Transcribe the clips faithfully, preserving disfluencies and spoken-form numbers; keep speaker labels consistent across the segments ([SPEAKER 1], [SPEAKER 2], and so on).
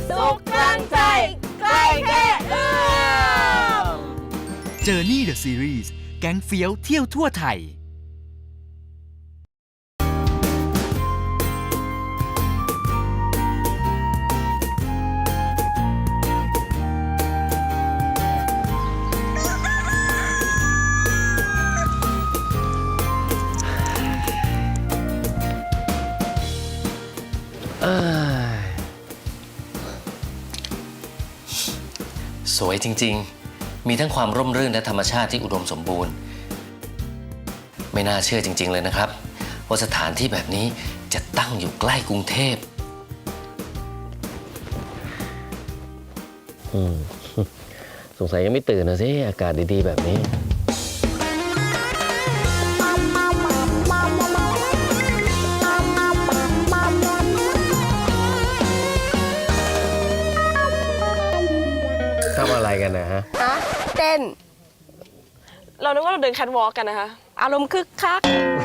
[SPEAKER 1] สุขกลางใจใกล้แค่เอื้อม
[SPEAKER 2] Journey the Series แก๊งเฟี้ยวเที่ยวทั่วไทย
[SPEAKER 3] สวยจริงๆ มีทั้งความร่มรื่นและธรรมชาติที่อุดมสมบูรณ์ ไม่น่าเชื่อจริงๆเลยนะครับว่าสถานที่แบบนี้จะตั้งอยู่ใกล้กรุงเทพอืมสงสัยยังไม่ตื่นนะสิอากาศดีๆแบบนี้ทำอะไรกันนะฮะฮะ
[SPEAKER 1] เต้น
[SPEAKER 4] เรานึกว่าเราเดินแคทวอล์กกันนะคะ
[SPEAKER 1] อารมณ์คึกคัก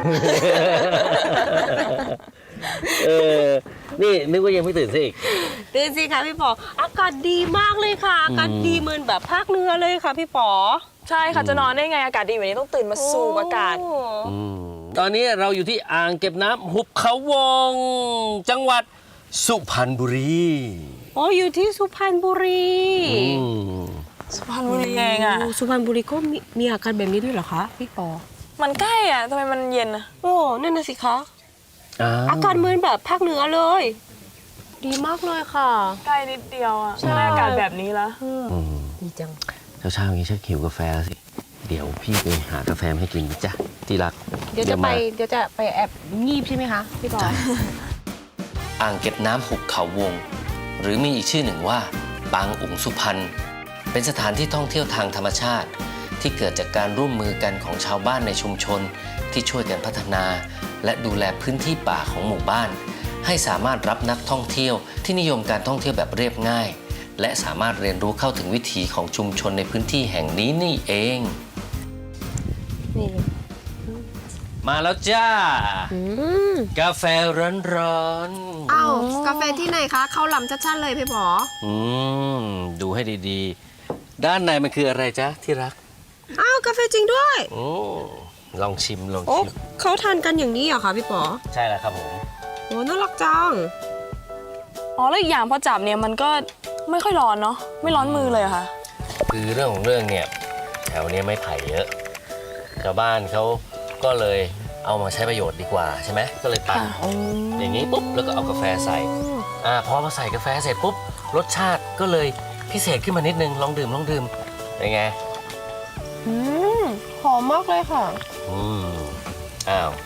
[SPEAKER 3] เออนี่นึกว่ายังไม่ตื่นสิอีก
[SPEAKER 1] ตื่นสิคะพี่ป๋ออากาศดีมากเลยค่ะอากาศดีเหมือนแบบภาคเหนือเลยค่ะพี่ป๋อ
[SPEAKER 4] ใช่ค่ะจะนอนได้ไงอากาศดีแบบนี้ต้องตื่นมาสูบอากาศ
[SPEAKER 3] ตอนนี้เราอยู่ที่อ่างเก็บน้ำหุบเขาวงจังหวัดสุพรรณบุรี
[SPEAKER 1] อ๋ออยู่ที่สุพรรณบุรี
[SPEAKER 4] สุพรรณบุรีเองอ่ะ
[SPEAKER 1] สุพรรณบุรีก็มีมีอากาศแบบนี้ด้วยเหรอคะพี่ป๋อ
[SPEAKER 4] มันใกล้อ่ะทำไมมันเย็นอ่ะ
[SPEAKER 1] โอ้นั่นน่ะสิคะอากาศเหมือนแบบภาคเหนือเลยดีมากเลยค่ะ
[SPEAKER 4] ใกล้นิดเดียวอ่ะใช่อากาศแบบนี้ละ
[SPEAKER 1] ดีจัง
[SPEAKER 3] เช้าๆอย่างนี้ชักหิวกาแฟแล้วสิเดี๋ยวพี่ไปหากาแฟให้กินจ้ะที่รัก
[SPEAKER 1] เดี๋ยวจะไปเดี๋ยวจะไปแอบงีบใช่ไหมคะพี่ป๋อ
[SPEAKER 3] อ่างเก็บน้ำหุบเขาวงหรือมีอีกชื่อหนึ่งว่าปางอุ๋งสุพรรณเป็นสถานที่ท่องเที่ยวทางธรรมชาติที่เกิดจากการร่วมมือกันของชาวบ้านในชุมชนที่ช่วยกันพัฒนาและดูแลพื้นที่ป่าของหมู่บ้านให้สามารถรับนักท่องเที่ยวที่นิยมการท่องเที่ยวแบบเรียบง่ายและสามารถเรียนรู้เข้าถึงวิถีของชุมชนในพื้นที่แห่งนี้นี่เองนี่มาแล้วจ้ากาแฟร้อน
[SPEAKER 1] ๆอ้าวกาแฟที่ไหนคะเข้าลำชัดๆเลยพี่ป๋อ
[SPEAKER 3] อืมดูให้ดีๆด้านในมันคืออะไรจ๊ะที่รัก
[SPEAKER 1] อ้าวกาแฟจริงด้วย
[SPEAKER 3] โอ้ลองชิมลอง
[SPEAKER 1] ชิ
[SPEAKER 3] ม
[SPEAKER 1] เขาทานกันอย่างนี้เหรอคะพี่ป๋อ
[SPEAKER 3] ใช่แล้วครับผม
[SPEAKER 1] โอ้น่ารักจัง
[SPEAKER 4] อ๋อแล้วอีกอย่างพอจับเนี่ยมันก็ไม่ค่อยร้อนเนาะไม่ร้อนมือเลยค่ะ
[SPEAKER 3] คือเรื่องของเรื่องเนี่ยแถวนี้ไม่ไผ่เยอะชาวบ้านเขาก็เลยเอามาใช้ประโยชน์ดีกว่าใช่ไหมก็เลยปั่นอย่างนี้ปุ๊บแล้วก็เอากาแฟใส่อ่าพอมาใส่กาแฟเสร็จปุ๊บรสชาติก็เลยพิเศษขึ้นมานิดนึงลองดื่มลองดื่มเป็นไง
[SPEAKER 1] อืมหอมมากเลยค่ะ
[SPEAKER 3] อืมอ้าว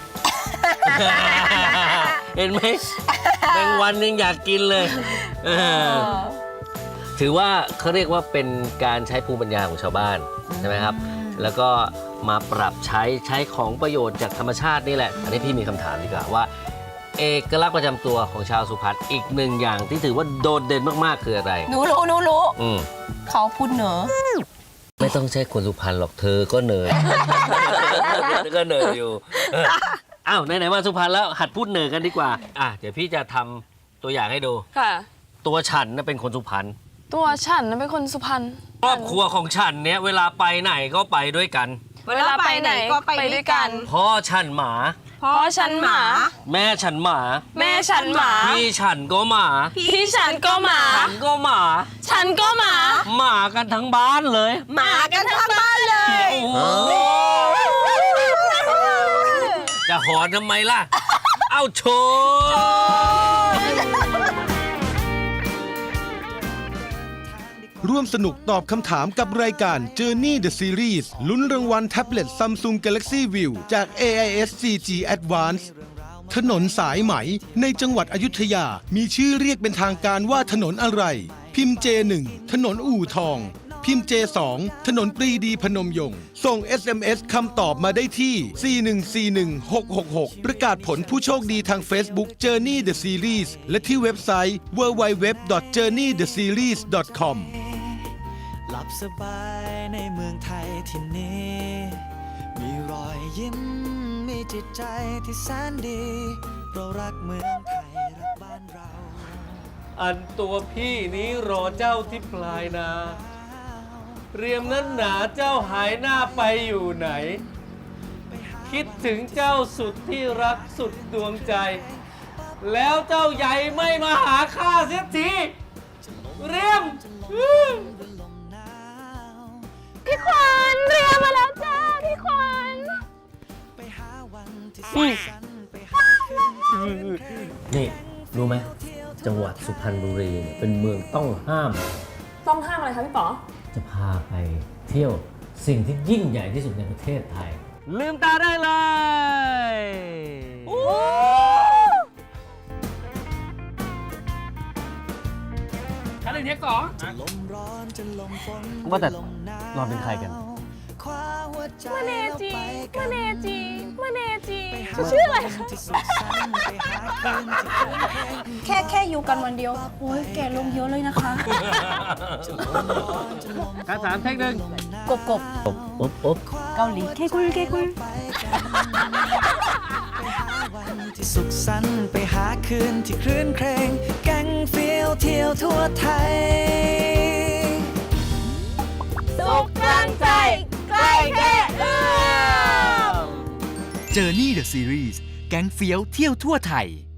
[SPEAKER 3] เห็นไหมแมงวันยังอยากกินเลยถือว่าเขาเรียกว่าเป็นการใช้ภูมิปัญญาของชาวบ้านใช่ไหมครับแล้วก็มาปรับใช้ใช้ของประโยชน์จากธรรมชาตินี่แหละอันนี้พี่มีคำถามดีกว่าว่าเอกลักษณ์ประจำตัวของชาวสุพรรณอีกหนึ่งอย่างที่ถือว่าโดดเด่นมากๆคืออะไร
[SPEAKER 1] หนูรู้หนูรู้เขาพูดเหนือ
[SPEAKER 3] ไม่ต้องใช่คนสุพรรณหรอกเธอก็เหนือเธอก็เหนืออยู่อ้าวไหนๆมาสุพรรณแล้วหัดพูดเหนือกันดีกว่าอ่ะเดี๋ยวพี่จะทำตัวอย่างให้ดู
[SPEAKER 4] ค่ะ
[SPEAKER 3] ตัวฉันน่ะเป็นคนสุพรรณ
[SPEAKER 4] ตัวฉันน่ะเป็นคนสุพรรณ
[SPEAKER 3] ครอบครัวของฉันเนี้ยเวลาไปไหนก็ไปด้วยกัน
[SPEAKER 1] เวลาไปไหนก็ไปด้วยกัน
[SPEAKER 3] พ่อฉันหมา
[SPEAKER 4] พ่อฉันหมา
[SPEAKER 3] แม่ฉันหมา
[SPEAKER 4] แม่ฉันหมา
[SPEAKER 3] พี่ฉันก็หมา
[SPEAKER 4] พี่ฉันก็หมา
[SPEAKER 3] ฉันก็หมา
[SPEAKER 4] ฉันก็หมา
[SPEAKER 3] หมากันทั้งบ้านเลย
[SPEAKER 1] หมากันทั้งบ้านเลย
[SPEAKER 3] จะหอนทำไมล่ะเอาโชว์
[SPEAKER 5] ร่วมสนุกตอบคำถามกับรายการ Journey the Series ลุ้นรางวัลแท็บเล็ต Samsung Galaxy View จาก เอ ไอ เอส ซี จี Advance ถนนสายไหมในจังหวัดอยุธยามีชื่อเรียกเป็นทางการว่าถนนอะไรพิมพ์ เจ หนึ่ง ถนนอู่ทองพิมพ์ เจ สอง ถนนปรีดีพนมยงค์ส่ง เอส เอ็ม เอส คำตอบมาได้ที่ สี่ หนึ่ง สี่ หนึ่ง หก หก หก ประกาศผลผู้โชคดีทาง Facebook Journey the Series และที่เว็บไซต์ ดับเบิลยู ดับเบิลยู ดับเบิลยู ดอท เจอร์นี่ เดอะ ซีรีส์ ดอท คอม
[SPEAKER 6] หลับสบายในเมืองไทยที่นี้มีรอยยิ้มมีจิตใจที่แสนดีเรารักเมืองไทยรักบ้านเรา
[SPEAKER 7] อันตัวพี่นี้รอเจ้าที่ปลายนา เรียมนั้นหนาเจ้าหายหน้าไปอยู่ไหน คิดถึงเจ้าสุดที่รักสุดดวงใจ แล้วเจ้าใหญ่ไม่มาหาข้าเสียทีเรียม
[SPEAKER 1] พี่ขวัญเรียมาแล้วจ้าพี่ขวัญ
[SPEAKER 3] นี่ รู้ไหมจังหวัดสุพรรณบุรีเนี่ยเป็นเมืองต้องห้าม
[SPEAKER 4] ต้องห้ามอะไรคะพี่ป๋อ
[SPEAKER 3] จะพาไปเที่ยวสิ่งที่ยิ่งใหญ่ที่สุดในประเทศไทย
[SPEAKER 7] ลืมตาได้เลย
[SPEAKER 6] จะลมร้อนจะลมฝน
[SPEAKER 7] ว่าแต่เราเป็นใครกัน
[SPEAKER 6] คว้าหัวใจ
[SPEAKER 4] มะเนจี
[SPEAKER 6] แล้วไปกั
[SPEAKER 4] มะ
[SPEAKER 6] น
[SPEAKER 4] เนจีมะเนจี
[SPEAKER 6] ไปหา
[SPEAKER 4] ชื่ออะไรคะ
[SPEAKER 6] ที่สุขสันต์ไปหาคืนที่คืนเพลง
[SPEAKER 8] แค่แค่อยู่กันวันเดียว โอ้ยแก่ลงเยอะเลยนะคะ
[SPEAKER 7] การสามเทคหนึ่ง
[SPEAKER 8] กบกบ
[SPEAKER 3] อบอบอบ
[SPEAKER 8] เกาหลีเคกุลเคกุล
[SPEAKER 6] ไปกันไปหาวันที่สุขสันต์ไปหาคืนที่คลื่นเครงแก๊งเฟี้ยวเที่ยวทั่วไทย
[SPEAKER 1] สุขกลางใจใกล้แค่เอื้อม
[SPEAKER 2] Journey the Series แก๊งเฟี้ยวเที่ยวทั่วไทย